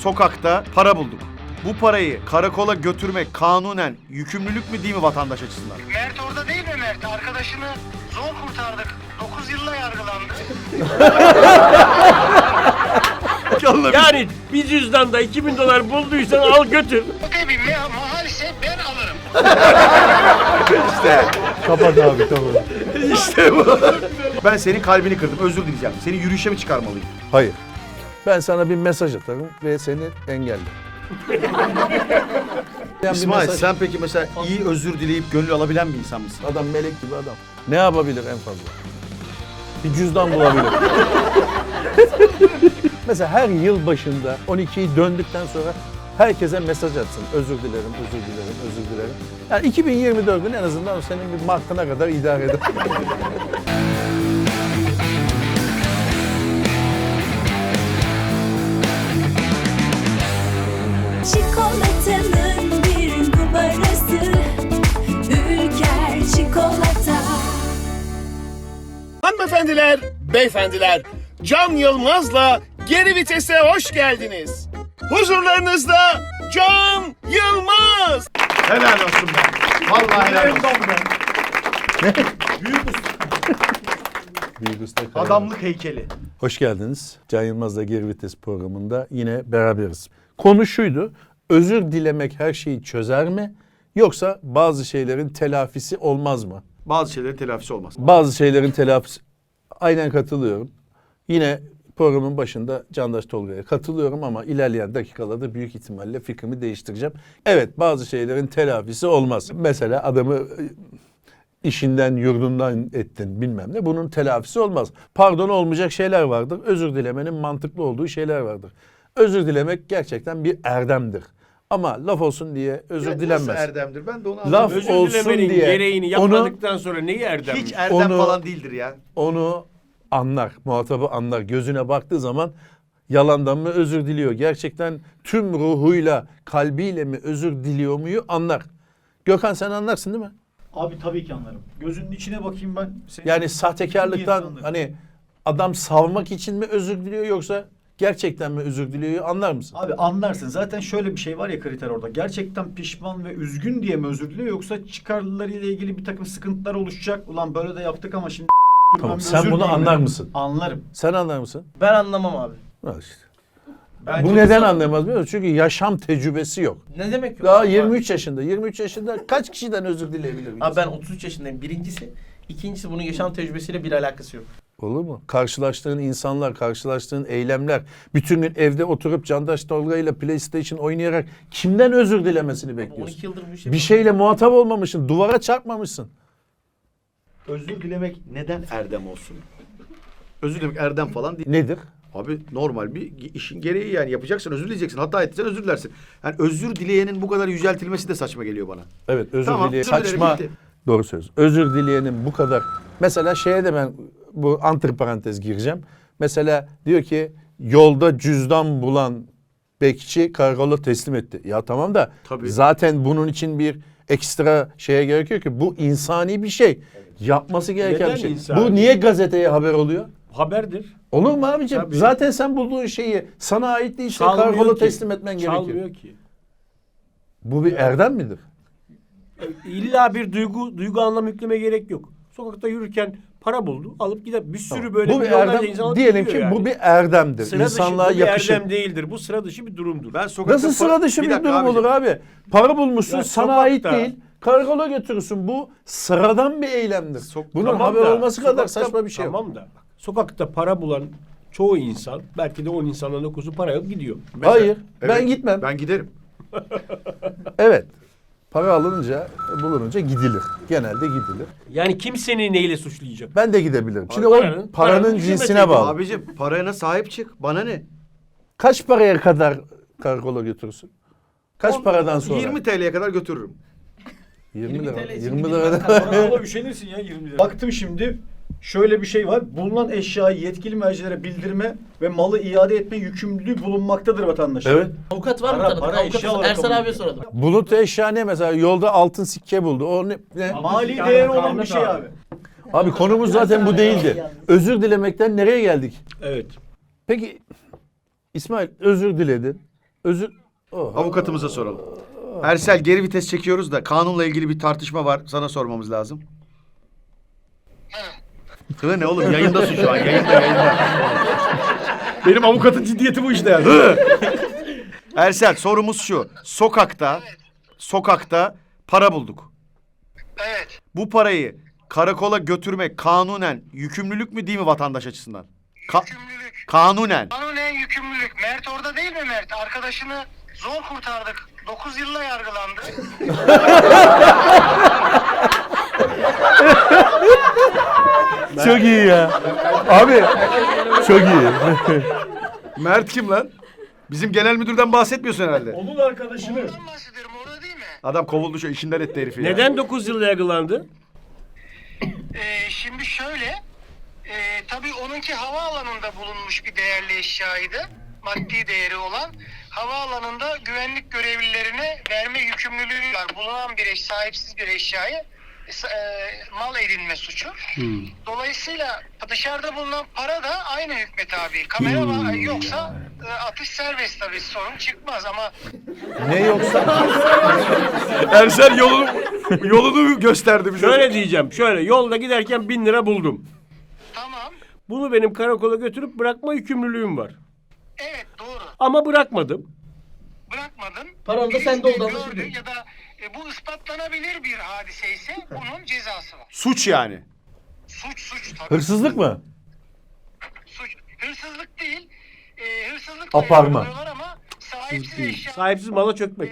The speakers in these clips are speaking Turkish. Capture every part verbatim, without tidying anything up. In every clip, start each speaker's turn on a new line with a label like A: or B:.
A: sokakta para bulduk. Bu parayı karakola götürmek kanunen yükümlülük mü değil mi vatandaş açısından?
B: Mert orada değil mi Mert? Arkadaşını zor kurtardık. dokuz yılla yargılandı.
C: Yani bir cüzdanda iki bin dolar bulduysan al götür.
B: Ödebim ya mahal ise ben alırım.
A: İşte.
D: Kapat abi kapat.
A: İşte bu. Ben senin kalbini kırdım. Özür dileyeceğim. Seni yürüyüşe mi çıkarmalıyım?
D: Hayır. Ben sana bir mesaj atarım ve seni engellerim.
A: İsmail sen peki mesela iyi özür dileyip gönül alabilen bir insan mısın?
D: Adam melek gibi adam. Ne yapabilir en fazla? Bir cüzdan bulabilir. Mesela her yıl başında on ikiyi döndükten sonra herkese mesaj atsın. Özür dilerim, özür dilerim, özür dilerim. Yani iki bin yirmi dördün en azından senin bir Mart'ına kadar idare eder.
E: Çikolatanın bir numarası Ülker Çikolata.
C: Hanımefendiler, beyefendiler, Can Yılmaz'la Geri Vites'e hoş geldiniz. Huzurlarınızda Can Yılmaz.
A: Helal olsun be. Vallahi helal olsun.
D: Büyük usta Kaya.
A: Adamlık heykeli.
D: Hoş geldiniz. Can Yılmaz'la Geri Vites programında yine beraberiz. Konu şuydu, özür dilemek her şeyi çözer mi? Yoksa bazı şeylerin telafisi olmaz mı?
A: Bazı şeylerin telafisi olmaz.
D: Bazı şeylerin telafisi... Aynen katılıyorum. Yine programın başında Candaş Tolga'ya katılıyorum ama ilerleyen dakikalarda büyük ihtimalle fikrimi değiştireceğim. Evet, bazı şeylerin telafisi olmaz. Mesela adamı işinden, yurdundan ettin bilmem ne. Bunun telafisi olmaz. Pardon olmayacak şeyler vardır. Özür dilemenin mantıklı olduğu şeyler vardır. Özür dilemek gerçekten bir erdemdir. Ama laf olsun diye özür
A: Ya
D: dilenmez.
A: nasıl erdemdir? Ben de onu
D: Laf
A: anlamıyorum.
C: Özür
D: olsun
C: dilemenin
D: diye
C: gereğini
D: onu-
C: yapmadıktan sonra neyi erdem?
A: Hiç erdem
D: Onu-
A: falan değildir ya.
D: Onu anlar, muhatabı anlar. Gözüne baktığı zaman yalandan mı özür diliyor? Gerçekten tüm ruhuyla, kalbiyle mi özür diliyor muyu anlar. Gökhan sen anlarsın değil mi?
F: Abi tabii ki anlarım. Gözünün içine bakayım ben. Senin
D: Yani sahtekarlıktan
F: Anlarım.
D: hani adam savmak için mi özür diliyor yoksa gerçekten mi özür diliyor anlar mısın?
F: Abi anlarsın. Zaten şöyle bir şey var ya kriter orada. Gerçekten pişman ve üzgün diye mi özür diliyor yoksa çıkarlarıyla ilgili bir takım sıkıntılar oluşacak. Ulan böyle de yaptık ama şimdi
D: Tamam,
F: bir
D: sen
F: özür
D: bunu
F: dileyim
D: anlar
F: mi?
D: mısın?
F: Anlarım.
D: Sen anlar mısın?
G: Ben anlamam abi.
D: Ha işte.
A: Bence
D: Bu neden anlamaz biliyor musun? Çünkü yaşam tecrübesi yok.
G: Ne demek yok?
D: Daha
G: abi?
D: yirmi üç yaşında. yirmi üç yaşında kaç kişiden özür dileyebilir? bir
G: Abi
D: insan?
G: ben otuz üç yaşındayım. Birincisi. İkincisi bunun yaşam tecrübesiyle bir alakası yok.
D: Olur mu? Karşılaştığın insanlar, karşılaştığın eylemler, bütün gün evde oturup Candaş Tolga ile PlayStation oynayarak kimden özür dilemesini
G: on
D: bekliyorsun?
G: iki yıldır bu işe...
D: Bir şeyle muhatap olmamışsın, duvara çarpmamışsın.
A: özür dilemek neden erdem olsun? Özür dilemek erdem falan değil.
D: Nedir?
A: Abi normal bir işin gereği yani yapacaksın, özür dileyeceksin. Hata ettiysen özür dilersin. Yani özür dileyenin bu kadar yüceltilmesi de saçma geliyor bana.
D: Evet, özür
A: Tamam,
D: dileyen
A: özür dilerim,
D: saçma.
A: bitti.
D: Doğru söz. Özür dileyenin bu kadar. Mesela şeye de ben bu antiparantez gireceğim. Mesela diyor ki yolda cüzdan bulan bekçi karakola teslim etti. Ya tamam da
A: Tabii.
D: zaten bunun için bir ekstra şeye gerekiyor ki bu insani bir şey. Yapması gereken
C: Neden
D: bir şey.
C: insani?
D: Bu niye gazeteye haber oluyor?
C: Haberdir.
D: Olur mu abicim?
C: Tabii.
D: Zaten sen bulduğun şeyi sana ait değilse
C: Çalmıyor
D: karakola
C: ki.
D: teslim etmen gerekiyor.
C: Çalmıyor ki.
D: Bu bir erdem midir?
C: İlla bir duygu duygu anlam yükleme gerek yok. Sokakta yürürken para buldu, alıp gider. Bir sürü böyle
D: bu bir
C: milyonlarca insan
D: erdem.
C: alıp
D: Diyelim
C: gidiyor
D: ki
C: yani.
D: bu bir erdemdir.
C: sıra
D: İnsanlığa
C: dışı, bu bir
D: yakışır.
C: erdem değildir. Bu sıra dışı bir durumdur.
A: Ben sokakta
D: Nasıl sıra dışı bir,
A: dakika
D: durum
A: abicim.
D: olur abi? Para bulmuşsun,
C: Ya
D: sana
C: sokakta-
D: ait değil. Karakola götürürsün. Bu sıradan bir eylemdir.
A: Sok-
D: Bunun
C: Tamam
D: haber
C: da,
D: olması kadar
C: sokakta-
D: saçma bir şey yok.
C: Tamam da bak, sokakta para bulan çoğu insan belki de on insandan dokuzu para alıp gidiyor.
A: Mesela-
D: Hayır, ben
A: Evet,
D: gitmem.
A: Ben giderim.
D: Evet. Para alınınca, bulununca gidilir. Genelde gidilir.
C: Yani kim seni neyle suçlayacak?
D: Ben de gidebilirim. Şimdi
C: Paranın-
D: o paranın
C: paranın
D: cinsine
C: hükümete
D: bağlı.
A: Abicim parana sahip çık. Bana ne?
D: Kaç paraya kadar karakola götürürsün? Kaç paradan sonra?
A: yirmi T L'ye kadar götürürüm.
D: yirmi lira.
G: T L için
D: yirmi
G: gidilmez
D: lira.
F: Karakola üşenirsin ya yirmi lira. Baktım şimdi şöyle bir şey var. Bulunan eşyayı yetkili mercilere bildirme ve malı iade etme yükümlülüğü bulunmaktadır vatandaşa.
D: Evet.
G: Avukat var mı
F: Para-
G: tanıdık?
F: para
G: Avukat
F: eşya olarak
G: Ersan
F: kabul
G: abiye
F: ediyor.
G: soralım.
D: Bulut eşya ne mesela? Yolda altın sikke buldu. O ne? ne?
F: Mali değeri olan bir şey abi.
D: Abi konumuz zaten bu değildi. Özür dilemekten nereye geldik?
C: Evet.
D: Peki İsmail özür diledin. Özür... Oh.
A: Avukatımıza soralım. Ersel, geri vites çekiyoruz da kanunla ilgili bir tartışma var. Sana sormamız lazım. Hı ne oğlum, yayındasın şu an. Yayında yayında. Benim avukatın ciddiyeti bu işte yani. Hı. Ersel, sorumuz şu. Sokakta sokakta para bulduk.
B: Evet.
A: Bu parayı karakola götürmek kanunen yükümlülük mü değil mi vatandaş açısından? Ka-
B: Yükümlülük.
A: kanunen.
B: Kanunen yükümlülük. Mert orada değil mi Mert? Arkadaşını zor kurtardık. dokuz yılla yargılandı.
D: Çok iyi ya. Abi çok iyi.
A: Mert kim lan? Bizim genel müdürden bahsetmiyorsun herhalde.
F: Onun arkadaşını.
B: Ondan bahsediyorum, orada değil mi?
A: Adam kovuldu, şu işinden etti herifi ya.
C: Neden dokuz yıl yargılandı?
B: Ee, şimdi şöyle, e, tabii onunki havaalanında bulunmuş bir değerli eşyaydı. Maddi değeri olan. Havaalanında güvenlik görevlilerine verme yükümlülüğü var. Bulunan bir eş, sahipsiz bir eşyayı e, mal edinme suçu. Dolayısıyla dışarıda bulunan para da aynı hükme tabi. Kamera var, yoksa e, atış serbest tabii, sorun çıkmaz ama
D: Ne yoksa?
A: Ersel yolunu, yolunu gösterdi bize.
C: Şöyle diyeceğim. Şöyle yolda giderken bin lira buldum.
B: tamam.
C: Bunu benim karakola götürüp bırakma yükümlülüğüm var.
B: Evet, doğru.
C: Ama bırakmadım.
B: Bırakmadın.
G: Paran da
B: Birisi
G: sende oldu,
B: gördü
G: anlaşılıyor.
B: ya da e, bu ispatlanabilir bir hadise ise bunun cezası var.
A: Suç yani.
B: Suç suç tabii.
D: Hırsızlık mı?
B: Suç. Hırsızlık değil. E, hırsızlık
D: Aparma.
B: yapıyorlar ama sahipsiz eşya.
C: Sahipsiz mala çökmek.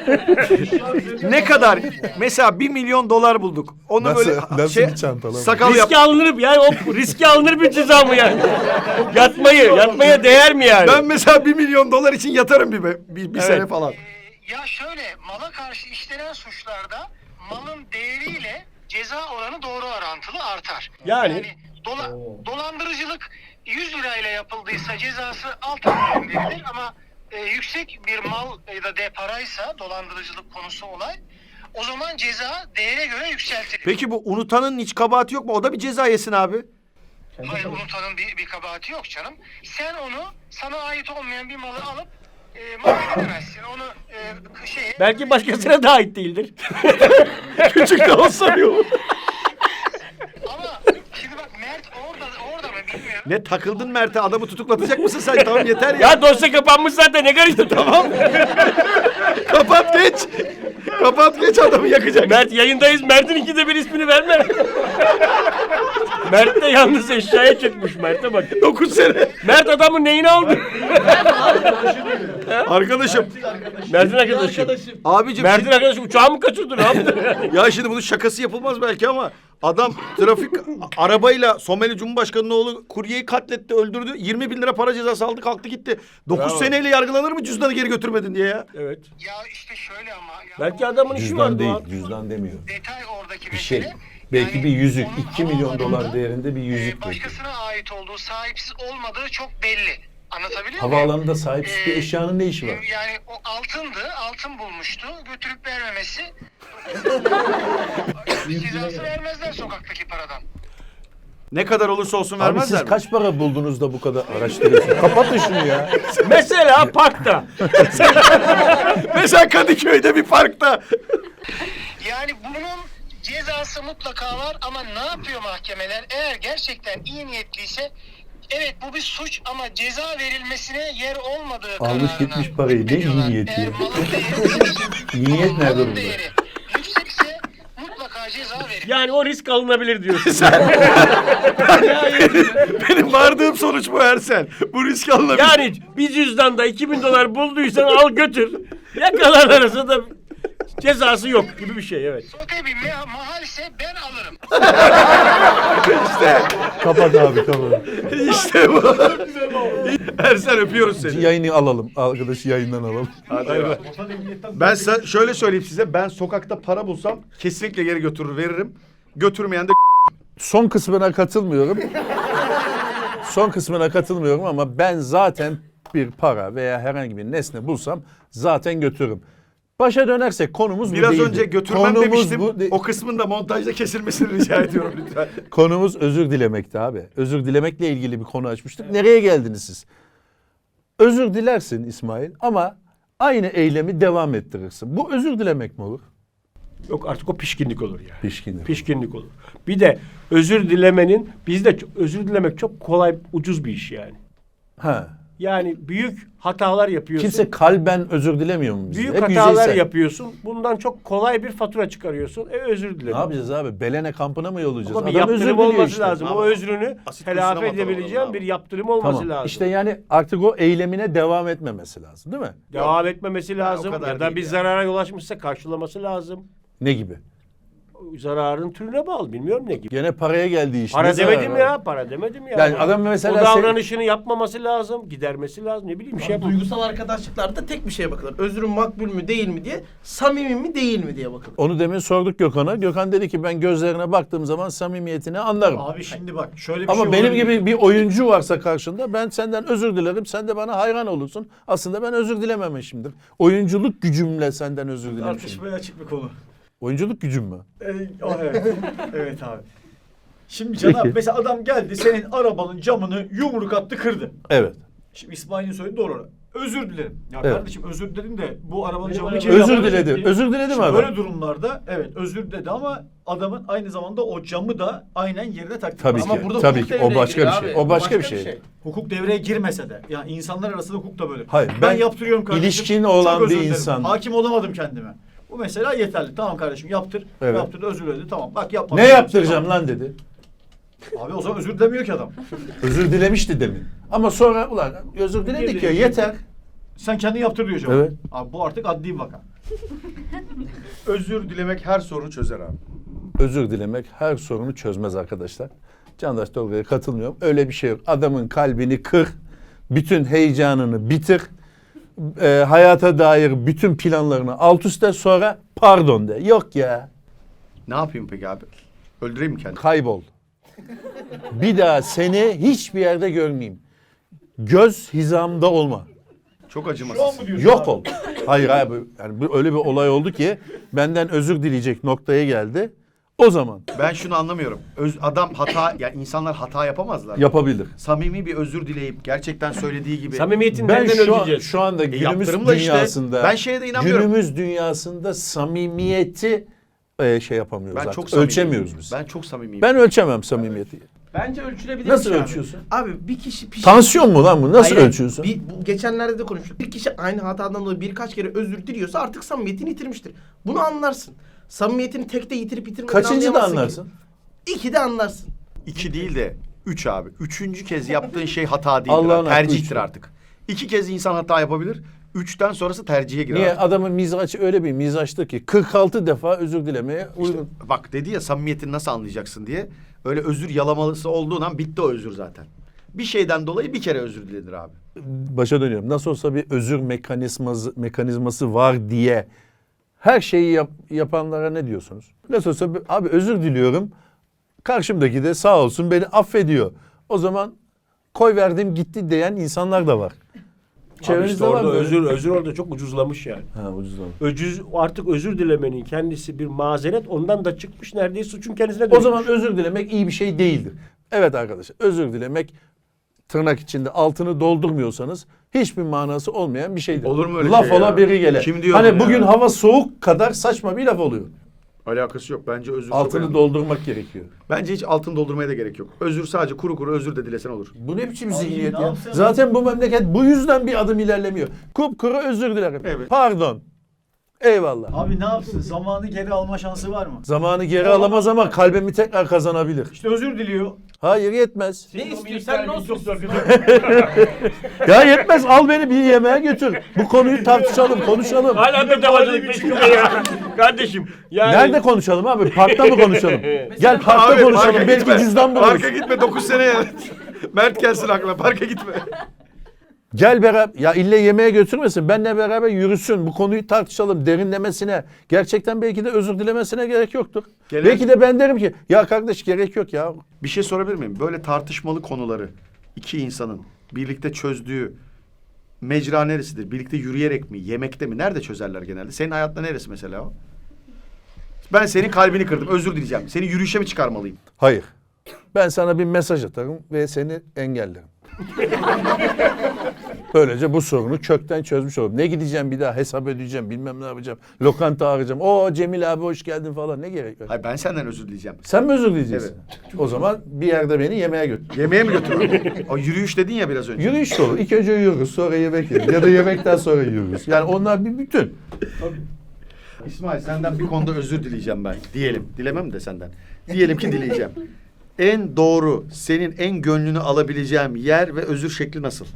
A: Ne kadar? Mesela bir milyon dolar bulduk. Onu
D: Nasıl-
A: böyle
D: nasıl bir çantalama?
A: sakal yap.
C: Riski alınır yani o riski alınır bir ceza mı yani? Yatmayı, yatmaya değer mi yani?
A: Ben mesela bir milyon dolar için yatarım bir, bir, bir
C: Evet.
A: sene falan.
B: E, ya şöyle, mala karşı işlenen suçlarda malın değeriyle ceza oranı doğru orantılı artar.
C: Yani?
B: dola- dolandırıcılık yüz lirayla yapıldıysa cezası altı milyon verilir ama e, yüksek bir mal ya da de paraysa dolandırıcılık konusu olay, o zaman ceza değere göre yükseltilir.
A: Peki bu unutanın hiç kabahati yok mu? O da bir ceza yesin abi.
B: Hayır, unutanın bir, bir kabahati yok canım. Sen onu, sana ait olmayan bir malı alıp e, mal edemezsin. Onu e, şeye...
C: Belki başkasına da ait değildir.
A: Küçük de olsa yok.
B: Ama şimdi bak, Mert orada orada mı bilmiyorum.
A: Ne takıldın Mert'e? Adamı tutuklatacak mısın sen? Tamam yeter ya.
C: Ya dosya kapanmış zaten, ne karıştı tamam.
A: Kapat geç. Kapat geç, adamı yakacak.
C: Mert yayındayız. Mert'in ikide bir ismini verme. Mert de yalnız eşyaya çıkmış. Mert'e bak.
A: dokuz sene.
C: Mert adamın neyini aldı?
A: Arkadaşım.
C: Mert'in arkadaşı.
A: Abicim.
C: Mert'in arkadaşı uçağı mı kaçırdı, ne yaptı?
A: Ya şimdi bunun şakası yapılmaz belki ama adam trafik arabayla Somali Cumhurbaşkanı'nın oğlu kuryeyi katletti, öldürdü. yirmi bin lira para cezası aldı, kalktı gitti. dokuz
C: Bravo.
A: seneyle yargılanır mı cüzdanı geri götürmedin diye ya?
C: Evet.
B: Ya işte şöyle ama... Ya
C: Belki
B: o
C: adamın işi var
D: Cüzdan değil,
C: Doğan.
D: cüzdan demiyor.
B: detay oradaki
D: Bir şey.
B: mesele.
D: Belki
B: Yani
D: bir yüzük,
B: onun
D: iki milyon dolar
B: havaalanında,
D: değerinde bir
B: e,
D: yüzük belki.
B: başkasına ait olduğu, sahipsiz olmadığı çok belli. Anlatabiliyor muyum?
D: Havaalanında sahipsiz bir
B: Ee,
D: eşyanın ne işi var?
B: Yani o altındı, altın bulmuştu. Götürüp vermemesi. Cezası vermezler sokaktaki paradan.
A: Ne kadar olursa olsun
D: Abi
A: vermezler
D: siz
A: mi?
D: kaç para buldunuz da bu kadar araştırıyorsunuz? Kapatın şunu ya.
C: Mesela parkta.
A: Mesela Kadıköy'de bir parkta.
B: Yani bunun cezası mutlaka var ama ne yapıyor mahkemeler? Eğer gerçekten iyi niyetliyse, evet bu bir suç ama ceza verilmesine yer olmadığı
D: Almış
B: kararına
D: gitmiş parayı, ne iyi
B: hükmediyorlar.
D: niyeti
B: Eğer
D: ya.
B: malın değeri,
D: İyi niyet nerede
B: malın
D: burada?
B: değeri yüksekse mutlaka ceza verilir.
C: Yani o risk alınabilir diyorsun.
A: Benim vardığım sonuç bu Ersel. Bu risk alınabilir.
C: Yani bir cüzdanda iki bin dolar bulduysan al götür. Yakalanırsa da cezası yok gibi bir şey, evet.
B: Sote bir me- mahal ise ben alırım.
D: Kapat abi kapat.
A: İşte bu. Ersel, öpüyoruz seni.
D: Yayını alalım. Arkadaşı yayından alalım.
A: Ben sa- şöyle söyleyeyim size. Ben sokakta para bulsam kesinlikle geri götürür veririm. Götürmeyen de
D: Son kısmına katılmıyorum. Son kısmına katılmıyorum ama ben zaten bir para veya herhangi bir nesne bulsam zaten götürürüm. Başa dönersek konumuz bu
A: biraz
D: değildi.
A: önce götürmem
D: konumuz
A: demiştim.
D: Bu de-
A: O kısmın da montajda kesilmesini rica ediyorum lütfen.
D: Konumuz özür dilemekti abi. Özür dilemekle ilgili bir konu açmıştık. Nereye geldiniz siz? Özür dilersin İsmail ama Aynı eylemi devam ettirirsin. Bu özür dilemek mi olur?
C: Yok artık o pişkinlik olur yani.
D: Pişkinlik.
C: Pişkinlik olur. Bir de özür dilemenin bizde ç- özür dilemek çok kolay, ucuz bir iş yani.
D: Ha.
C: Yani büyük hatalar yapıyorsun.
D: Kimse kalben özür dilemiyor mu bizde?
C: büyük
D: Hep
C: hatalar
D: yüzeysel.
C: yapıyorsun. Bundan çok kolay bir fatura çıkarıyorsun. E özür dilerim.
D: Ne yapacağız abi? Belene kampına mı yollayacağız?
C: Ama bir
D: Adam özür
C: yaptırım
D: diliyor
C: olması
D: işte.
C: lazım.
A: Ama
C: O özrünü
A: asit
C: telafi
A: kuyusuna mı
C: edebileceğim
A: atalım
C: bir
A: abi?
C: yaptırım olması
D: Tamam.
C: lazım.
D: İşte yani artık o eylemine devam etmemesi lazım, değil mi?
C: Devam etmemesi lazım.
A: kadar
C: Ya da
A: değil
C: bir
A: ya.
C: zarara yol açmışsa karşılaması lazım.
D: Ne gibi?
C: Zararın türüne bağlı. Bilmiyorum ne gibi.
D: Gene paraya geldi iş.
C: Para
D: Ne zararı
C: demedim
D: var?
C: ya. Para demedim ya.
D: Yani adam mesela
C: o
D: sen-
C: davranışını yapmaması lazım. Gidermesi lazım. Ne bileyim bir şey yapalım.
G: Duygusal arkadaşlıklarda tek bir şeye bakılır. Özrün makbul mü değil mi diye, samimi mi değil mi diye bakılır.
D: Onu demin sorduk Gökhan'a. Gökhan dedi ki ben gözlerine baktığım zaman samimiyetini anlarım.
F: Abi şimdi bak şöyle bir
D: Ama
F: şey
D: benim
F: olabilir.
D: gibi bir oyuncu varsa karşında ben senden özür dilerim. Sen de bana hayran olursun. Aslında ben özür dilememişimdir. Oyunculuk gücümle senden özür dilemişim.
F: Tartışmaya açık bir konu.
D: Oyunculuk gücüm mü?
F: Ee, o, evet. Evet abi. Şimdi Can abi
D: Peki.
F: mesela adam geldi senin arabanın camını yumruk attı kırdı.
D: Evet.
F: Şimdi İsmail'in söylediği doğru. Özür dilerim. Ya
D: Evet.
F: kardeşim özür diledim de bu arabanın
C: Benim
F: camını
C: arabam-
F: kim
D: Özür
F: yaptı?
D: diledi. Özür diledi mi
F: Şimdi
D: adam?
F: böyle durumlarda evet özür dedi ama adamın aynı zamanda o camı da aynen yerine takdı.
D: Tabii
G: Ama
D: ki.
G: burada
D: Tabii
G: hukuk
D: ki. O
G: devreye
D: başka bir
G: giriyor
D: şey.
G: abi.
D: O başka bir şey.
F: Hukuk devreye girmese de yani insanlar arasında hukuk da böyle.
D: Hayır,
F: Ben,
D: ben
F: yaptırıyorum kardeşim.
D: ilişkin
F: çok
D: olan
F: özür
D: bir
F: dilerim.
D: insan-
F: Hakim olamadım kendime. Bu mesela yeterli. Tamam kardeşim yaptır.
D: Evet.
F: Yaptırdı özür diledi. Tamam bak yapma.
D: Ne yaptıracağım lan dedi.
F: Abi o zaman özür dilemiyor ki adam.
D: Özür dilemişti demin. Ama sonra ulan özür diledik ya yeter.
F: Sen kendin yaptır diyor cevap.
D: Evet.
F: Abi bu artık adli bir vaka.
A: Özür dilemek her sorunu çözer abi.
D: Özür dilemek her sorunu çözmez arkadaşlar. Candaş Tolga'ya katılmıyorum. Öyle bir şey yok. Adamın kalbini kır. Bütün heyecanını bitir. e, hayata dair bütün planlarını alt üst et, sonra pardon de. Yok ya.
A: Ne yapayım peki abi? Öldüreyim mi kendimi?
D: Kaybol. Bir daha seni hiçbir yerde görmeyeyim. Göz hizamda olma.
A: Çok acımasız.
D: Yok ol. Hayır abi. Yani bu öyle bir olay oldu ki benden özür dileyecek noktaya geldi. O zaman
A: Ben şunu anlamıyorum. Öz, adam hata, ya insanlar hata yapamazlar.
D: yapabilir.
A: Samimi bir özür dileyip gerçekten söylediği gibi.
C: Samimiyetin
D: Ben
C: nereden
D: şu, an,
C: öleceğiz?
D: şu anda günümüz
A: yaptırımla işte.
D: dünyasında
A: Ben şeye de inanmıyorum.
D: günümüz dünyasında samimiyeti e, şey yapamıyoruz
A: Ben
D: artık.
A: çok samimiyim.
D: Ölçemiyoruz biz. Ben,
A: Ben çok samimiyim.
D: ölçemem samimiyeti.
G: Bence ölçülebilir.
D: Nasıl
G: bir şey
D: ölçüyorsun?
G: Abi. Abi bir kişi pişman.
D: Tansiyon mu lan bu? Nasıl
G: Hayır,
D: ölçüyorsun?
G: Bir, bu geçenlerde de konuştuk. Bir kişi aynı hatadan dolayı birkaç kere özür diliyorsa artık samimiyetini yitirmiştir. Bunu anlarsın. Samimiyetini tekte yitirip yitirmediğini
D: Kaçıncı da
G: anlayamazsın ki.
D: anlarsın?
G: İki de anlarsın.
A: İki değil de üç abi. Üçüncü kez yaptığın şey hata değildir.
D: Allah'ın
A: abi.
D: hakkı
A: Tercihtir
D: üç.
A: artık. İki kez insan hata yapabilir. Üçten sonrası tercihe girer.
D: Niye?
A: abi.
D: Adamın mizaçı öyle bir mizaçtı ki kırk altı defa özür dilemeye
A: İşte
D: uygun.
A: bak dedi ya samimiyetini nasıl anlayacaksın diye. Öyle özür yalamalısı olduğun an bitti o özür zaten. Bir şeyden dolayı bir kere özür dilenir abi.
D: Başa dönüyorum. Nasıl olsa bir özür mekanizması mekanizması var diye her şeyi yap, yapanlara ne diyorsunuz? Nasıl olsa bir- abi özür diliyorum. Karşımdaki de sağ olsun beni affediyor. O zaman koy verdim gitti diyen insanlar da var.
C: Abi
D: Çevrenizde
C: işte
D: var
C: orada
D: mı böyle?
C: özür, özür orada çok ucuzlamış yani.
D: Ha ucuzlamış.
C: Öcüz, artık özür dilemenin kendisi bir mazeret, ondan da çıkmış neredeyse suçun kendisine
D: O
C: dönüşmüş.
D: zaman özür dilemek iyi bir şey değildir. Evet arkadaşlar, özür dilemek tırnak içinde altını doldurmuyorsanız hiçbir manası olmayan bir şeydir.
A: Olur mu öyle
D: laf
A: şey
D: ola
A: ya?
D: biri gele.
A: Kim diyor
D: hani
A: bunu ya?
D: bugün hava soğuk kadar saçma bir laf oluyor.
A: Alakası yok. Bence özür çok
D: Altını
A: önemli.
D: doldurmak gerekiyor.
A: Bence hiç altın doldurmaya da gerek yok. Özür sadece kuru kuru özür de dilesen olur.
D: Bu ne biçim
F: Abi
D: zihniyet
F: ne
D: ya?
F: yapsın?
D: Zaten bu memleket bu yüzden bir adım ilerlemiyor. Kupkuru özür dilerim.
A: Evet.
D: Pardon. Eyvallah.
F: Abi ne yapsın? Zamanı geri alma şansı var mı?
D: Zamanı geri alamaz ama kalbimi tekrar kazanabilir.
F: İşte özür diliyor.
D: Hayır yetmez.
G: Ne istiyorsan ne olsun.
D: Ya yetmez, al beni bir yemeğe götür. Bu konuyu tartışalım, konuşalım.
C: Hala da davacılık peşinde ya. Kardeşim. Yani...
D: Nerede konuşalım abi? Parkta mı konuşalım? Gel parkta
A: Abi,
D: konuşalım.
A: parka
D: Belki
A: gitme.
D: cüzdan buluruz.
A: Parka gitme dokuz sene ya. Mert gelsin aklına. Parka gitme.
D: Gel beraber. Ya ille yemeğe götürmesin. Benle beraber yürüsün. Bu konuyu tartışalım. Derinlemesine. Gerçekten belki de özür dilemesine gerek yoktur.
A: Gelen-
D: Belki de ben derim ki ya kardeş gerek yok ya.
A: Bir şey sorabilir miyim? Böyle tartışmalı konuları iki insanın birlikte çözdüğü mecra neresidir? Birlikte yürüyerek mi? Yemekte mi? Nerede çözerler genelde? Senin hayatta neresi mesela o? Ben senin kalbini kırdım. Özür dileyeceğim. Seni yürüyüşe mi çıkarmalıyım?
D: Hayır. Ben sana bir mesaj atarım ve seni engellerim. Böylece bu sorunu kökten çözmüş olurum. Ne gideceğim bir daha hesap ödeyeceğim bilmem ne yapacağım. Lokanta arayacağım. O Cemil abi hoş geldin falan ne gerek var?
A: Hayır ben senden özür dileyeceğim.
D: Sen mi özür dileyeceksin? O zaman bir yerde beni yemeğe götür.
A: Yemeğe mi götürüyorum? O yürüyüş dedin ya biraz önce.
D: Yürüyüş de olur. İlk önce yürürüz sonra yemek yeriz. Ya da yemekten sonra yürürüz. Yani onlar bir bütün.
A: İsmail senden bir konuda özür dileyeceğim ben. Diyelim. Dilemem de senden. Diyelim ki dileyeceğim. En doğru, senin en gönlünü alabileceğim yer ve özür şekli nasıl?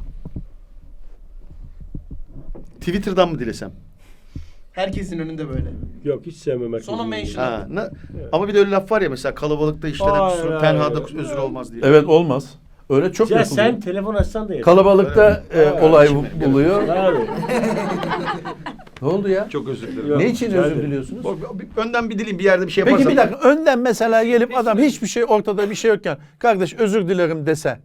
A: Twitter'dan mı dilesem?
G: Herkesin önünde böyle.
C: Yok hiç sevmem herkesi.
G: Sonra mention.
A: Ha, ne? Ama bir de öyle laf var ya mesela kalabalıkta işlenen
C: Hayır,
A: kusur,
C: hayır.
A: tenhada özür olmaz diye.
D: Evet olmaz. Öyle çok
C: Ya
D: yapılıyor.
C: sen telefon açsan da yeter.
D: Kalabalıkta e,
A: Evet.
D: olay
A: Şimdi-
D: buluyor.
C: Abi.
D: Ne oldu ya?
A: Çok özür dilerim.
C: Yok.
D: Ne için
C: rica
D: özür
C: ederim.
D: diliyorsunuz?
A: Bir- Önden bir dileyim bir yerde bir şey yaparsam.
D: Peki bir dakika önden mesela gelip adam hiçbir şey ortada bir şey yokken kardeş özür dilerim dese.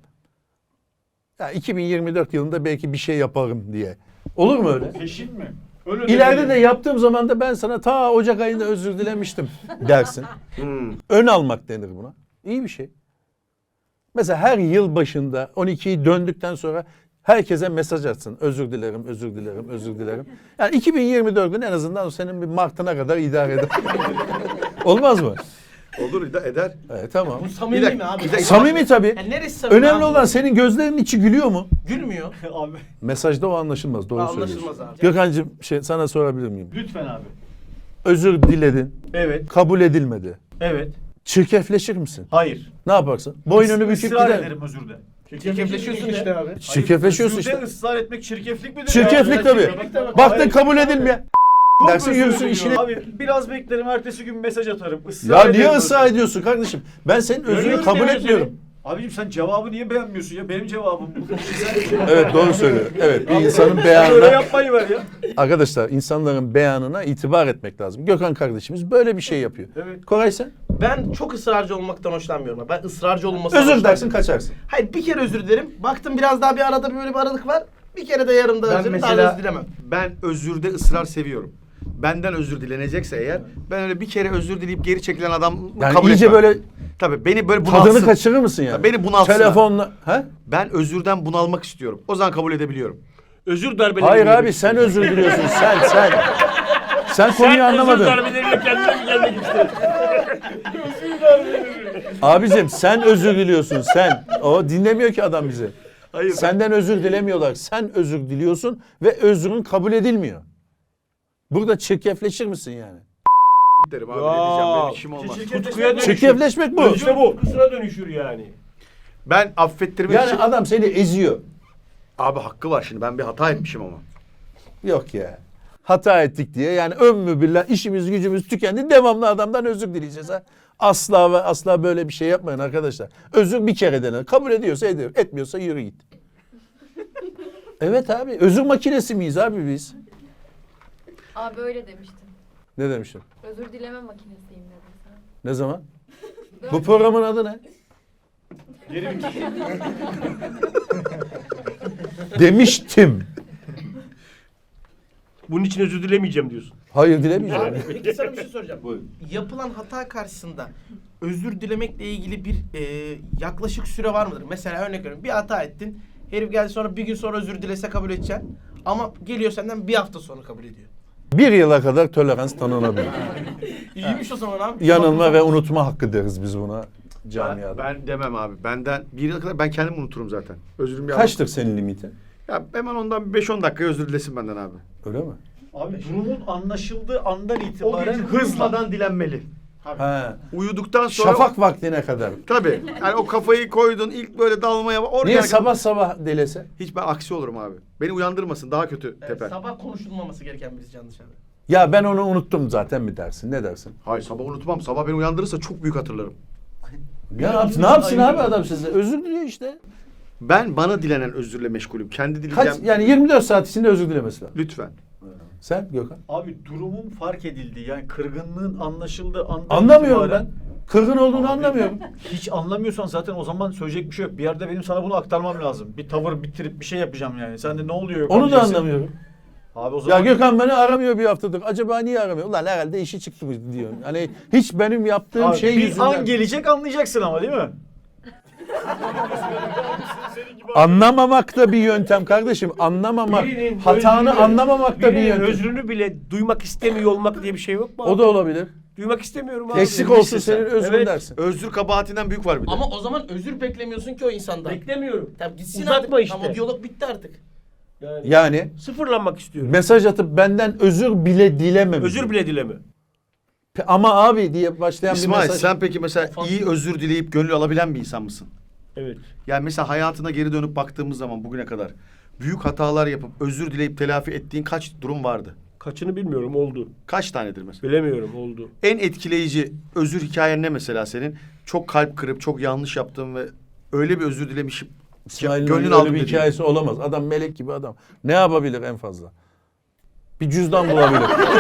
D: Ya iki bin yirmi dört yılında belki bir şey yaparım diye. Olur mu öyle?
F: Peşin mi? Öyle
D: İleride de yaptığım zaman da ben sana ta Ocak ayında özür dilemiştim dersin.
A: Hmm.
D: Ön almak denir buna. İyi bir şey. Mesela her yıl başında on ikiyi döndükten sonra herkese mesaj atsın. Özür dilerim, özür dilerim, özür dilerim. Yani iki bin yirmi dördün en azından senin bir Mart'ına kadar idare eder. Olmaz mı?
A: Olur da eder.
D: Evet tamam.
G: Bu samimi
A: Bir dakika,
G: mi abi?
A: bir dakika.
D: Samimi tabii.
G: Yani neresi samimi
D: Önemli
G: abi?
D: olan senin gözlerinin içi gülüyor mu?
G: Gülmüyor.
F: Abi
D: Mesajda o anlaşılmaz. Doğru
G: Anlaşılmaz
D: söylüyorsun.
G: abi.
D: Gökhan'cığım şey, sana sorabilir miyim?
F: lütfen abi.
D: Özür diledin.
F: Evet.
D: Kabul edilmedi.
F: Evet.
D: Çirkefleşir misin?
F: Hayır.
D: Ne yaparsın? Boynunu büküp
F: Israr
D: gider.
F: ederim özürde.
G: Çirkefleşiyorsun işte abi.
D: Çirkefleşiyorsun
F: Özürde
D: işte.
F: ısrar etmek çirkeflik midir?
D: Çirkeflik
F: Ya?
D: tabii.
F: Çirkeflik tabii.
D: Baktın
F: Hayır.
D: kabul edilmiyor.
F: Çok
D: Dersin
F: özür
D: yürüsün
F: diliyorum.
D: işine.
F: Abi biraz beklerim ertesi gün mesaj atarım. Israr
D: Ya
F: ederim
D: niye
F: özür.
D: ısrar ediyorsun kardeşim? Ben senin özrünü
F: Görüyorum
D: kabul
F: demek
D: etmiyorum.
F: seni. Abicim sen cevabı niye beğenmiyorsun ya? Benim cevabım bu.
D: Evet doğru söylüyor. Evet bir insanın
F: Böyle
D: beyanına...
F: yapmayı ver ya.
D: Arkadaşlar insanların beyanına itibar etmek lazım. Gökhan kardeşimiz böyle bir şey yapıyor.
F: Evet.
D: Koray sen?
G: Ben çok ısrarcı olmaktan hoşlanmıyorum. Ben ısrarcı olmasından
D: Özür
G: hoşlanmıyorum.
D: dersin kaçarsın.
G: Hayır bir kere özür dilerim. Baktım biraz daha bir arada böyle bir aralık var. Bir kere de yarımda
A: Ben
G: özür dilerim. Daha
A: mesela
G: özür dilemem.
A: ben özürde ısrar seviyorum. Benden özür dilenecekse eğer ben öyle bir kere özür dileyip geri çekilen adam
D: Yani
A: kabul
D: iyice
A: etmem.
D: böyle
A: Tabii beni böyle bunalsın.
D: tadını kaçırır mısın yani?
A: Beni bunalsın.
D: Telefonla. He?
A: Ben özürden bunalmak istiyorum. O zaman kabul edebiliyorum.
C: Özür darbeleri.
D: Hayır abi sen özür diliyorsun sen sen. Sen konuyu anlamadın.
C: Özür darbeleriyle kendine mi gelmek istiyorsun?
D: Abicim sen özür diliyorsun sen. O dinlemiyor ki adam bizi.
A: Hayır.
D: Senden özür dilemiyorlar. Sen özür diliyorsun ve özrün kabul edilmiyor. Burada çirkefleşir misin yani?
A: derim abi.
C: Ya.
A: Ne diyeceğim benim işim olmaz.
C: Tutkuya dönüşür.
D: Çirkefleşmek bu.
C: İşte bu. Kusura dönüşür yani.
A: Ben affettirmek
D: Yani
A: için...
D: adam seni eziyor.
A: Abi hakkı var şimdi. Ben bir hata etmişim ama.
D: Yok ya. Hata ettik diye yani ömmü billah işimiz gücümüz tükendi. Devamlı adamdan özür dileyeceğiz ha. Asla ve asla böyle bir şey yapmayın arkadaşlar. Özür bir kere denir. Kabul ediyorsa ediyor. Etmiyorsa yürü git. Evet abi. Özür makinesi miyiz abi biz?
H: Abi öyle demiştin.
D: Ne demiştim?
H: Özür dileme makinesiyim dedin sen.
D: Ne zaman? Bu programın adı ne? Demiştim.
C: Bunun için özür dilemeyeceğim diyorsun.
D: Hayır dilemeyeceğim.
G: Abi peki sana bir şey soracağım. Yapılan hata karşısında özür dilemekle ilgili bir e, yaklaşık süre var mıdır? Mesela örnek veriyorum bir hata ettin. Herif geldi sonra bir gün sonra özür dilese kabul edeceksin. Ama geliyor senden bir hafta sonra kabul ediyor.
D: Bir yıla kadar tolerans tanınabilir.
G: İyiymiş o zaman abi.
D: Yanılma ve unutma hakkı deriz biz buna
A: Ben,
D: camiada.
A: ben demem abi. Benden bir yıla kadar ben kendim unuturum zaten. Özürüm ya.
D: Kaçtır senin limitin?
A: Ya hemen ondan bir beş on dakika özür dilesin benden abi.
D: Öyle mi?
F: Abi durumun anlaşıldığı andan
A: O
F: itibaren
A: gece
F: hızla.
A: hızmadan dilenmeli.
D: Ha.
A: Uyuduktan sonra...
D: Şafak vaktine kadar.
A: Tabii. Yani o kafayı koydun ilk böyle dalmaya... Oraya
D: Niye
A: kadar-
D: sabah sabah delese?
A: Hiç ben aksi olurum abi. Beni uyandırmasın daha kötü
G: Evet,
A: teper.
G: sabah konuşulmaması gereken birisi can dışarı.
D: Ya ben onu unuttum zaten mi dersin? Ne dersin?
A: Hayır sabah unutmam. Sabah beni uyandırırsa çok büyük hatırlarım.
D: Ya ne yapsın, ne yapsın abi adam size? Özür diliyor işte.
A: Ben bana dilenen özürle meşgulüm. Kendi dileyeceğim.
D: Kaç yani yirmi dört saat içinde özür dilemesi lazım.
A: Lütfen.
D: Sen Gökhan?
F: Abi durumun fark edildiği yani kırgınlığın anlaşıldığı andan
D: Anlamıyorum
F: itibaren-
D: ben. Kırgın olduğunu anlamıyorum.
F: Hiç anlamıyorsan zaten o zaman söyleyecek bir şey yok. Bir yerde benim sana bunu aktarmam lazım. Bir tavır bitirip bir şey yapacağım yani. Sen de ne oluyor? yok
D: Onu da
F: diyeceksin.
D: anlamıyorum.
F: Abi o
D: Ya
F: zaman
D: Gökhan beni aramıyor bir haftadır. Acaba niye aramıyor? Ulan herhalde işi çıktı mı diyor. Hani hiç benim yaptığım
F: Abi
D: şey
F: bir
D: yüzünden.
F: an gelecek anlayacaksın ama değil mi?
D: Anlamamak da bir yöntem kardeşim. Anlamamak.
C: Birinin
D: Hatanı
C: özrünü-
D: anlamamak da bir
C: birinin
D: yöntem.
C: özrünü bile duymak istemiyor olmak diye bir şey yok mu abi?
D: O da olabilir.
C: Duymak istemiyorum abi.
D: Eksik olsun senin özrün
C: Evet.
D: dersin.
A: Özür kabahatinden büyük var bir de.
G: Ama o zaman özür beklemiyorsun ki o insandan.
C: Beklemiyorum.
G: Tamam gitsin
C: Uzatma
G: artık.
C: işte.
G: Ama diyalog bitti artık.
C: Yani,
D: Yani
C: sıfırlanmak istiyorum.
D: mesaj atıp benden özür bile dilememiş.
C: Özür bile dileme.
D: Ama abi diye başlayan bir
A: İsmail
D: mesaj.
A: sen peki mesela iyi özür dileyip gönül alabilen bir insan mısın?
C: Evet.
A: Yani mesela hayatına geri dönüp baktığımız zaman bugüne kadar büyük hatalar yapıp özür dileyip telafi ettiğin kaç durum vardı?
C: Kaçını bilmiyorum, oldu.
A: Kaç tanedir mesela?
C: Bilemiyorum, oldu.
A: En etkileyici özür hikayen ne mesela senin? Çok kalp kırıp çok yanlış yaptığın ve öyle bir özür dilemişim.
D: İsmail'in
A: Gönlün
D: öyle
A: aldım
D: bir
A: dediğin.
D: hikayesi olamaz. Adam melek gibi adam. Ne yapabilir en fazla? Bir cüzdan bulabilir.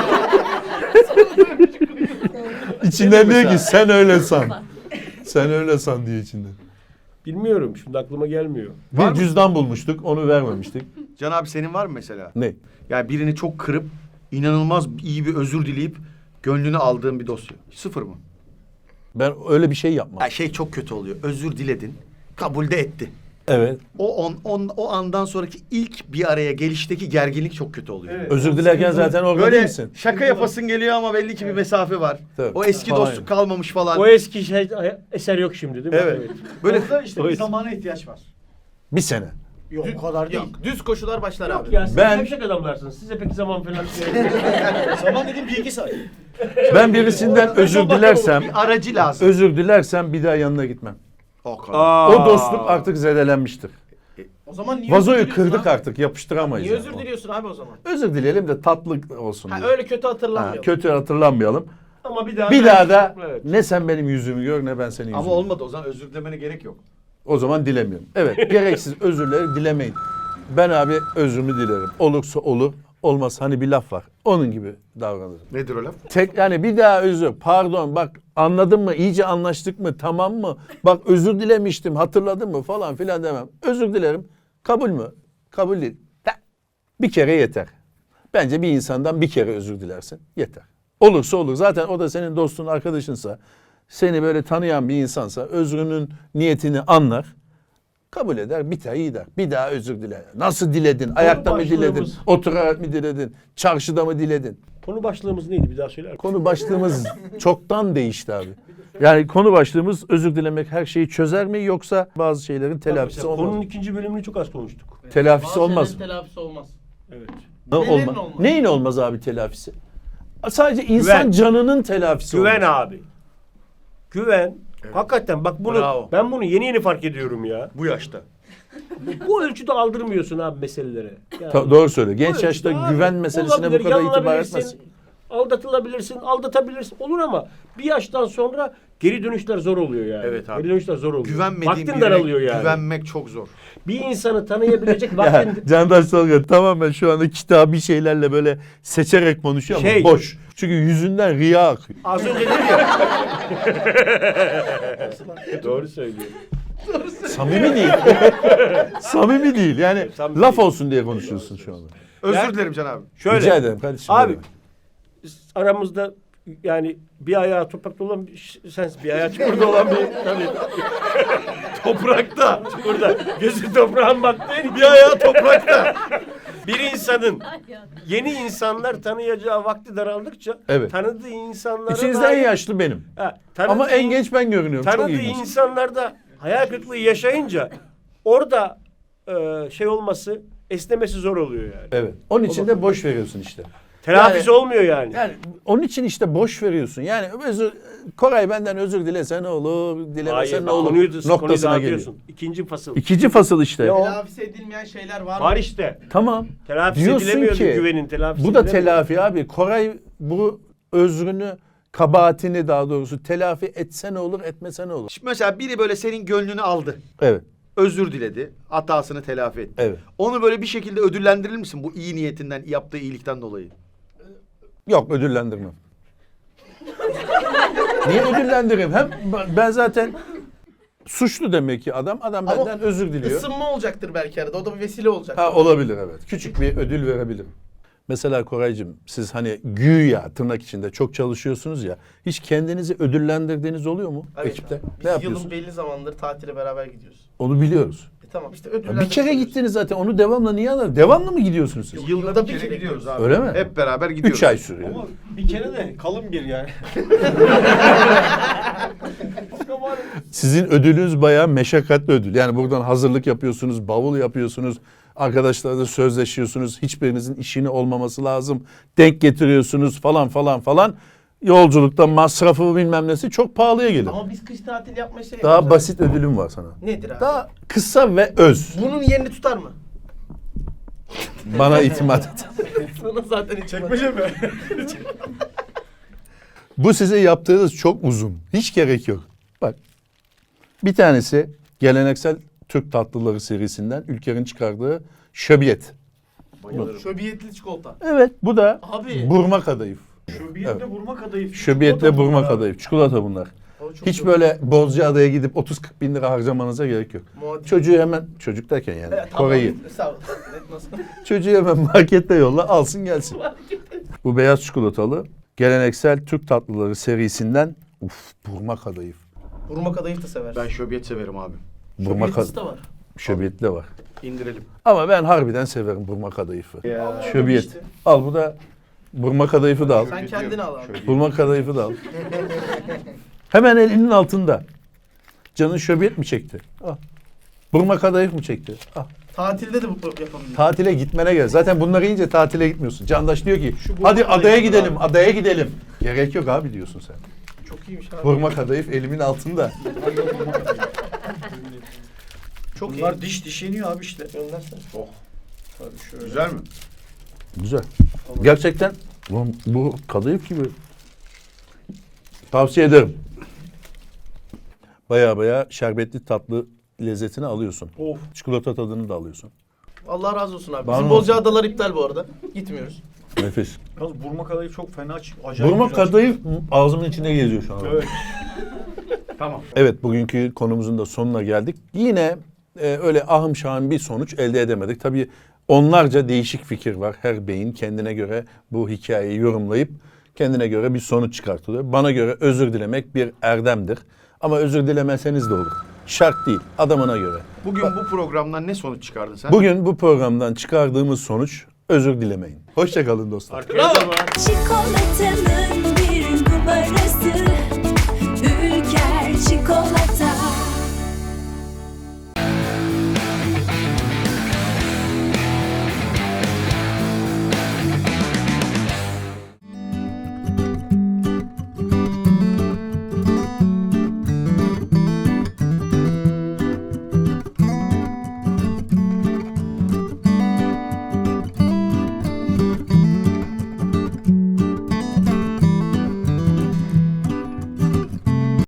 D: İçinden diyor ki sen öyle san. Sen öyle san diye içinden.
C: Bilmiyorum, şimdi aklıma gelmiyor.
A: Var
D: Bir
A: mı?
D: cüzdan bulmuştuk, onu vermemiştik.
A: Can abi senin var mı mesela?
D: Ne?
A: Yani birini çok kırıp inanılmaz iyi bir özür dileyip gönlünü aldığın bir dosya. Sıfır mı?
D: Ben öyle bir şey yapmam.
A: Ya şey çok kötü oluyor. Özür diledin. Kabul de etti.
D: Evet.
A: O on, on, o andan sonraki ilk bir araya gelişteki gerginlik çok kötü oluyor.
C: Evet.
D: Özür dilerken zaten orada değil
A: Böyle
D: misin?
A: şaka yapasın geliyor ama belli ki bir mesafe var.
D: Tabii.
A: O eski
D: Falan
A: dostluk
D: yani.
A: kalmamış falan.
C: O eski şey, eser yok şimdi değil mi?
A: Evet.
F: Böyle
A: Böyle
F: işte
C: O
F: bir
C: yüzden-
F: zamana ihtiyaç var.
D: Bir sene.
F: Yok o kadar değil.
G: Yok düz koşular başlar
C: Yok
G: abi.
C: ya, siz
D: Ben-
C: gevşek adamlarsınız. Size pek zaman falan...
F: Zaman dediğim bir iki saat.
D: Ben birisinden özür dilersem,
A: bir aracı lazım.
D: özür dilersem bir daha yanına gitmem.
A: O kadar.
C: Aa.
D: O dostluk artık zedelenmiştir.
G: O zaman niye
D: Vazoyu
G: özür diliyorsun
D: kırdık
G: abi?
D: artık, yapıştıramayız.
G: Niye
D: yani.
G: özür diliyorsun abi o zaman?
D: Özür dileyelim de tatlı olsun
G: Ha
D: diye.
G: öyle kötü
D: Ha,
G: hatırlanmıyor.
D: kötü hatırlanmayalım.
C: Ama bir daha...
D: Bir daha da
C: Evet.
D: ne sen benim yüzümü gör ne ben senin yüzümü.
A: Ama olmadı o zaman özür dilemene gerek yok.
D: O zaman dilemiyorum. Evet, gereksiz özürleri dilemeyin. Ben abi özrümü dilerim. Olursa olur, olmaz hani bir laf var. Onun gibi davranırım.
A: Nedir o laf?
D: Tek yani bir daha özür. Pardon bak anladın mı? İyice anlaştık mı? Tamam mı? Bak özür dilemiştim. Hatırladın mı? Falan filan demem. Özür dilerim. Kabul mü? Kabul değil. Ta- Bir kere yeter. Bence bir insandan bir kere özür dilersin. Yeter. Olursa olur. Zaten o da senin dostun, arkadaşınsa, seni böyle tanıyan bir insansa özrünün niyetini anlar. Kabul eder, biter, iyi der. Bir daha özür dile. Nasıl diledin? Ayakta mı diledin?
C: başlığımız-
D: Oturarak mı diledin? Çarşıda mı diledin?
C: Konu başlığımız neydi bir daha söyler misin?
D: Konu başlığımız çoktan değişti abi. Yani konu başlığımız özür dilemek her şeyi çözer mi yoksa bazı şeylerin telafisi
C: Mesela
D: olmaz
C: konunun
D: mı?
C: ikinci bölümünü çok az konuştuk.
D: Telafisi
G: Bazı
D: olmaz
G: şeylerin
D: mı?
G: telafisi olmaz.
C: Evet.
D: Ne
G: Nelerin
D: olmaz?
G: olmaz?
D: Neyin olmaz abi telafisi? Sadece insan
C: Güven.
D: canının telafisi
C: Güven
D: olmaz.
C: abi. Güven. Hakikaten bak bunu
A: Bravo.
C: ben bunu yeni yeni fark ediyorum ya.
A: Bu yaşta.
C: Bu ölçüde aldırmıyorsun abi meselelere. Yani
D: Ta- doğru söyle.
C: bu
D: Genç
C: ölçüde
D: yaşta
C: abi,
D: güven meselesine bu
C: olabilir,
D: kadar itibar
C: yanılabilirsin,
D: etmez.
C: Aldatılabilirsin, aldatabilirsin olur ama bir yaştan sonra geri dönüşler zor oluyor yani.
A: Evet abi.
C: Geri dönüşler zor oluyor.
A: Güvenmediğin
C: Vaktin
A: birine
C: daralıyor yani.
A: güvenmek çok zor.
C: Bir insanı tanıyabilecek
D: Ya,
C: vaktin...
D: Candaş Tolga tamamen şu anda kitabi şeylerle böyle seçerek konuşuyor ama
C: Şey-
D: boş. Çünkü yüzünden riya akıyor.
C: Az önce dedim ya. Doğru söylüyor.
D: Samimi değil. Samimi değil. Yani
C: Samimi
D: laf
C: değil.
D: olsun diye konuşuyorsun şu anda.
A: Özür
C: Yani-
A: dilerim Can abi.
C: Şöyle.
D: Rica ederim kardeşim.
C: Abi
D: buyurun.
C: aramızda yani bir ayağı toprakta olan bir sensin. Bir ayağı çukurda olan bir tabii. Toprakta. Çukurda. Gözü toprağın baktığın bir ayağı toprakta. Bir insanın yeni insanlar tanıyacağı vakti daraldıkça
D: Evet.
C: tanıdığı insanlara
D: İçinizde en
C: dair-
D: yaşlı benim.
C: Ha, tanıdığı
D: Ama en
C: in-
D: genç ben görünüyorum. Çok
C: tanıdığı
D: ilginç.
C: insanlarda hayal kırıklığı yaşayınca orada e, şey olması esnemesi zor oluyor yani.
D: Evet. Onun için de boş veriyorsun işte.
C: Telafisi
D: Yani-
C: olmuyor yani.
D: Yani onun için işte boş veriyorsun. Yani özür, Koray benden özür dilese ne olur, dilemese
C: Hayır,
D: ne
C: bak,
D: olur
C: konuyu, konuyu
D: noktasına geliyor.
C: dağıtıyorsun. İkinci fasıl.
D: İkinci fasıl işte.
C: Ya o-
G: Telafisi edilmeyen şeyler var mı?
C: Var işte.
D: Tamam.
C: Telafisi
D: Diyorsun
C: edilemiyor
D: ki
C: güvenin telafisi
D: bu da
C: edilemiyor.
D: telafi abi. Koray bu özrünü, kabahatini daha doğrusu telafi etse ne olur, etmese ne olur?
A: Şimdi mesela biri böyle senin gönlünü aldı.
D: Evet.
A: Özür diledi. Hatasını telafi etti.
D: Evet.
A: Onu böyle bir şekilde ödüllendirir misin bu iyi niyetinden, yaptığı iyilikten dolayı?
D: Yok ödüllendirmem. Niye ödüllendireyim? Hem ben zaten suçlu demek ki adam. Adam
G: Ama
D: benden özür diliyor.
G: Isınma olacaktır belki arada. O da bir vesile olacak.
D: Ha olabilir evet. Küçük bir ödül verebilirim. Mesela Koraycığım siz hani güya tırnak içinde çok çalışıyorsunuz ya. Hiç kendinizi ödüllendirdiğiniz oluyor mu
G: Evet
D: ekipte?
G: abi.
D: Ne
G: Biz
D: yapıyorsun?
G: yılın belli zamanları tatile beraber gidiyoruz.
D: Onu biliyoruz.
G: E tamam işte
D: Ya
G: ödüller.
D: bir kere gittiniz zaten onu devamlı niye alır? Devamlı mı gidiyorsunuz siz?
C: Yılda bir kere gidiyoruz abi.
D: Öyle mi?
A: Hep beraber gidiyoruz.
D: Üç ay sürüyor.
C: Ama bir kere de kalın bir yani.
D: Sizin ödülünüz bayağı meşakkatli ödül. Yani buradan hazırlık yapıyorsunuz, bavul yapıyorsunuz. Arkadaşlarla sözleşiyorsunuz. Hiçbirinizin işini olmaması lazım. Denk getiriyorsunuz falan falan falan. Yolculukta masrafı bilmem nesi çok pahalıya gelir.
G: Ama biz kış tatil yapmaya şey
D: Daha
G: yapıyoruz
D: basit ödülüm var sana.
G: abi. Nedir abi?
D: Daha kısa ve öz.
G: Bunun yerini tutar mı?
D: Bana itimat et.
G: Sana zaten hiç
F: Çekmece mi?
D: Bu size yaptığınız çok uzun. Hiç gerek yok. Bak. Bir tanesi geleneksel Türk tatlıları serisinden Ülker'in çıkardığı şöbiyet.
G: Şöbiyetli çikolata.
D: Evet, bu da
G: Abi.
D: burma kadayıf.
F: Şöbiyetle vurma kadayıf.
D: Şöbiyetle
F: Çikolata
D: burma
F: bunlar abi.
D: kadayıf. Çikolata bunlar.
G: O çok
D: Hiç
G: çok-
D: böyle Bozcaada'ya gidip otuz kırk bin lira harcamanıza gerek yok.
G: Muadil.
D: Çocuğu hemen, çocuk derken yani
G: Evet, tamam.
D: Koray'ı.
G: Sağ ol. Evet, nasıl?
D: Çocuğu hemen markette yolla alsın gelsin. Bu beyaz çikolatalı geleneksel Türk tatlıları serisinden uf burma kadayıf.
G: Burma kadayıf da sever.
A: Ben şöbiyet severim abi.
D: Burma
G: Şöbiyetlisi
D: kadayıf.
G: de var.
D: Şöbiyetli de var.
A: İndirelim.
D: Ama ben harbiden severim burma kadayıfı.
F: Ya,
D: Şöbiyet.
F: işte.
D: Al bu da burma kadayıfı da al.
G: Sen kendini al abi.
D: Burma kadayıfı da al. Hemen elinin altında. Canın şöbiyet mi çekti? Al. Burma kadayıf mı çekti? Al.
G: Tatilde de bu yapabiliriz.
D: Tatile gitmene gel. Zaten bunları yiyince tatile gitmiyorsun. Candaş diyor ki
F: Şu burma
D: hadi
F: kadayıfı
D: adaya
F: da
D: gidelim,
F: al.
D: adaya gidelim. Gerek yok abi diyorsun sen.
G: Çok iyiymiş abi.
D: Burma kadayıf elimin altında.
G: Çok
F: Bunlar
G: iyi.
F: diş diş yeniyor abi işte.
G: Göndersen.
F: Tabii şöyle.
A: Güzel mi?
D: Güzel. Gerçekten bu, bu kadayıf gibi. Tavsiye ederim. Baya baya şerbetli tatlı lezzetini alıyorsun.
F: Of.
D: Çikolata tadını da alıyorsun.
G: Allah razı olsun abi.
D: Bana
G: Bizim
D: olsun.
G: Bozcaadalar iptal bu arada. Gitmiyoruz.
D: Nefis.
F: Yalnız burma kadayıf çok fena çık. Acayip
D: Burma
F: güzel
D: kadayıf ağzımın içinde geziyor şu an.
F: çıktı. Evet.
A: Tamam.
D: Evet, bugünkü konumuzun da sonuna geldik. Yine e, öyle ahım şahım bir sonuç elde edemedik. Tabii onlarca değişik fikir var. Her beyin kendine göre bu hikayeyi yorumlayıp kendine göre bir sonuç çıkartılıyor. Bana göre özür dilemek bir erdemdir. Ama özür dilemeseniz de olur. Şart değil, adamına göre.
A: Bugün bu programdan ne sonuç çıkardın sen?
D: Bugün bu programdan çıkardığımız sonuç özür dilemeyin. Hoşça kalın dostlar.
E: Çikolatanın bir numarası Ülker çikolata